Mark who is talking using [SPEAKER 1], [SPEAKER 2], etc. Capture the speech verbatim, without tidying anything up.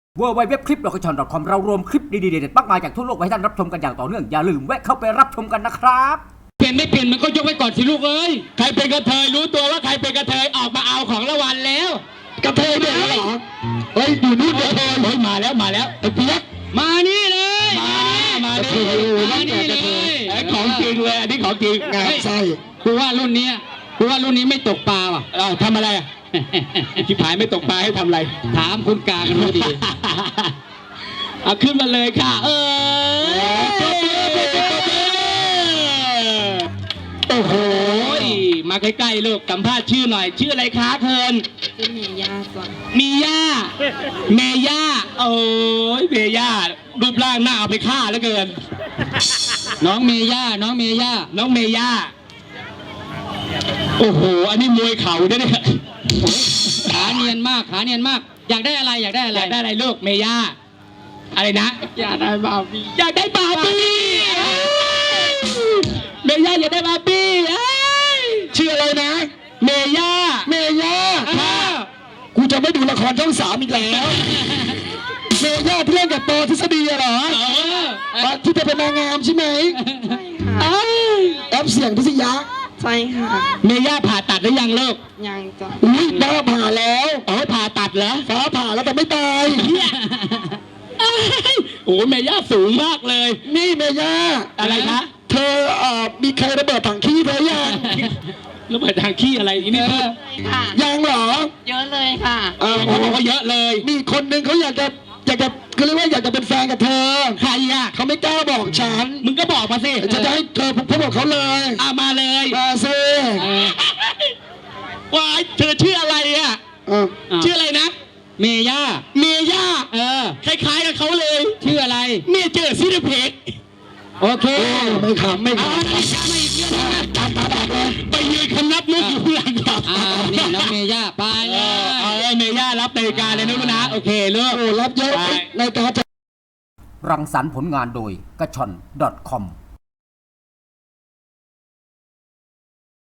[SPEAKER 1] เวอร์ไวเว็บคลิปดอกกระชอน .com เรารวมคลิปดีๆเด็ดๆมากมายจากทั่วโลกไว้ให้ท่านรับชมกันอย่างต่อเนื่องอย่าลืมแวะเข้าไปรับชมกันนะครับ
[SPEAKER 2] เปลี่ยนไม่เปลี่ยนมันก็ยกไว้ก่อนสิลูกเอ้ยใครเป็นกระเทยรู้ตัวว่าใครเป็นกระเทยออกมาเอาของรางวัลแล้วกระเทยเนี่ยเหรอเฮ้ยอยู่นู่นกระเทยเฮ้ยมาแล้วมาแล้วไอ้เปี๊ยกมานี่เลยมามานี่มานี่เลยไอ้ของจริงเลยอันนี้ของจริงงานใช่กูว่ารุ่นนี้กูว่ารุ่นนี้ไม่ตกปลาว่ะเออทำอะไรอ่ะชิบหายไม่ตกปลาให้ทำอะไรถามคุณกากันรู้ดีเอาขึ้นมาเลยค่ะเออโอ้โหมาใกล้ๆลูกสัมภาษณ์ชื่อหน่อยชื่ออะไรคะเทิร์น
[SPEAKER 3] ชื่อเมย่าก่อน
[SPEAKER 2] มีย่าเมย่าโอ้ยเมย่ารูปร่างหน้าเอาไปฆ่าแล้วเกินน้องเมย่าน้องเมย่าน้องเมย่าโอ้โหอันนี้มวยเข่าด้วยเนี่ยขาเนียนมากขาเนียนมากอยากได้อะไรอยากได้อะไรอยากได้อะไรลูกเมย่าอะไรนะ
[SPEAKER 3] อยากได้บาร์บี้
[SPEAKER 2] อยากได้บาร์บี้เมย่าอยากได้บาร์บี้ชื่ออะไรนะเมย่าเมย่ากูจะไม่ดูละครช่องสามอีกแล้วเมย่าที่เล่นกับปอทฤษฎีเหรอที่จะเป็นนางงามใช่ไหม
[SPEAKER 3] ใช่ค่ะ
[SPEAKER 2] แอปเสียงพิษยา
[SPEAKER 3] ใช่ค่ะ
[SPEAKER 2] เมย่าผ่าตัดหรือยังลูก
[SPEAKER 3] ยังจ้ะ
[SPEAKER 2] อุ้ยฟ้าผ่าแล้วอ๋อผ่าตัดเหรอฟ้าผ่าแล้วแต่ไม่ตายโอ้เมย่าสูงมากเลยนี่เมย่าอะไรคะเธอเอ่อมีใครระเบิดถังขี้เธอยังระเบิดถังขี้อะไรนี่
[SPEAKER 3] ค่ะ
[SPEAKER 2] ยังเหรอ
[SPEAKER 3] เยอะเลยค่ะ
[SPEAKER 2] เออเขาบอกว่าเยอะเลยมีคนนึงเขาอยากจะอยากจะเขาเรียกว่าอยากจะเป็นแฟนกับเธอใครอ่ะเขาไม่กล้าบอกฉันมึงก็บอกมาสิจะจะให้เธอพูดบอกเขาเลยอ่ะมาเลยมาสิว้ายเธอชื่ออะไรอ่ะชื่ออะไรนะเมย่าเมย่าเออคล้ายๆกับเขาเลยชื่ออะไรเมเจอร์ซิลิเพกโอเคไม่ขำไม่ขำไม่ขำไม่เยอะนะตาตาตาเลยไปยืนคำนับมุกอยู่หลังก่อนอ่านี่น้องเมย่าไปเลยเออเมย่ารับรายการเลยนะลูกนะโอเคลูกโอ้รับเยอะรายการจะ
[SPEAKER 1] รังสรรค์ผลงานโดยกระชอน .com